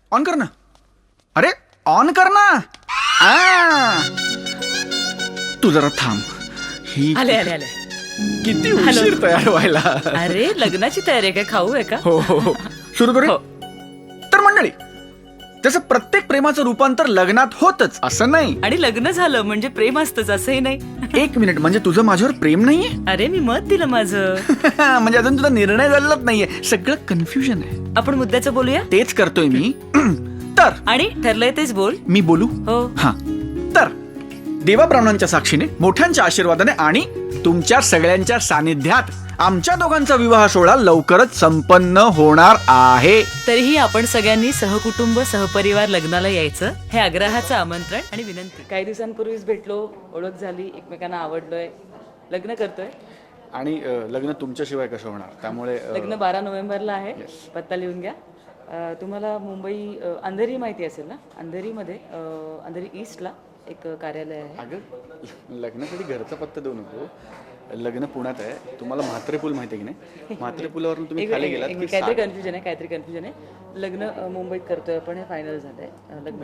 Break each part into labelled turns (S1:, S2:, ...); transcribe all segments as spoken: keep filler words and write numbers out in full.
S1: On कर ना. अरे ऑन कर ना. आ. तू जरा थांब. ही
S2: आले आले आले.
S1: किती उशीर तयार व्हायला.
S2: अरे लग्नाची तयारी आहे का? खाऊ आहे का?
S1: हो हो हो सुरू करू.
S2: हो.
S1: तर मंडळी, जसं प्रत्येक प्रेमाचं रूपांतर लग्नात होतच असं नाही.
S2: आणि लग्न झालं म्हणजे प्रेम असतंच असंही नाही.
S1: एक मिनिट, म्हणजे तुझं माझ्यावर प्रेम नाहीये?
S2: अरे मी मत दिलं माझं.
S1: म्हणजे अजून तुझा निर्णय झालेलाच नाहीये. सगळं कन्फ्युजन आहे.
S2: आपण मुद्द्याचं बोलूया.
S1: तेच करतोय मी. तर
S2: आणि ठरलंय तेच बोल.
S1: मी बोलू.
S2: हो.
S1: हा, तर देवाब्राह्मणांच्या साक्षीने, मोठ्यांच्या आशीर्वादाने आणि तुमच्या सगळ्यांच्या सानिध्यात आमच्या दोघांचा विवाह सोहळा लवकरच संपन्न होणार आहे.
S2: तरीही आपण सगळ्यांनी सहकुटुंब सहपरिवार लग्नाला यायचं हे आग्रहाचं आमंत्रण आणि विनंती. काही दिवसांपूर्वीच भेटलो, ओळख झाली, एकमेकांना आवडलोय, लग्न करतोय.
S1: आणि अ, लग्न तुमच्याशिवाय कसं होणार, त्यामुळे अ,
S2: लग्न बारा नोव्हेंबरला आहे. पत्ता लिहून घ्या. अ, तुम्हाला मुंबई अ, अंधेरी माहिती असेल ना? अंधेरीमध्ये अ, अंधेरी ईस्टला एक कार्यालय आहे.
S1: अगं, लग्नासाठी घरचा पत्ता देऊ नको. लग्न पुण्यात आहे. तुम्हाला म्हात्रे पूल माहिती आहे की नाही? म्हात्रे पुलावरून तुम्ही
S2: एक-
S1: खाली
S2: एक-
S1: गेलात
S2: एक-
S1: की
S2: काहीतरी कन्फ्युजन आहे काहीतरी कन्फ्युजन आहे. लग्न अ, मुंबईत करतोय आपण, हे फायनल झालंय. अ, लग्न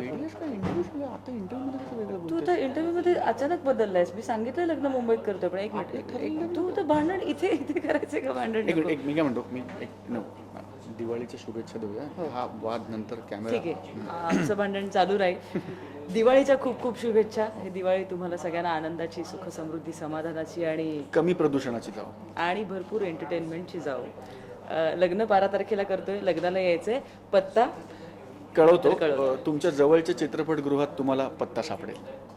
S2: तू तर इंटरव्ह्यू मध्ये अचानक बदललायस. मी सांगितलं लग्न मुंबईत करतोय, पण एक मिनिट, एक- तू तर भांडण इथे इथे करायचं का? भांडण
S1: एक
S2: नको.
S1: एक मी काय म्हणतो, मी एक no, दिवाळीच्या शुभेच्छा देऊया. हा वाद नंतर कॅमेरा.
S2: ठीक आहे, आमचं भांडण चालू राहील. दिवाळीच्या खूप खूप शुभेच्छा. ही दिवाळी तुम्हाला सगळ्यांना आनंदाची, सुख समृद्धी, समाधानाची आणि
S1: कमी प्रदूषणाची जाऊ.
S2: आणि भरपूर एंटरटेनमेंटची जाऊ. अ, लग्न बारा तारखेला करतोय, लग्नाला यायचंय. पत्ता
S1: कळवतो.
S2: कळवतो.
S1: अ, तुमच्या जवळच्या चित्रपटगृहात तुम्हाला पत्ता सापडेल.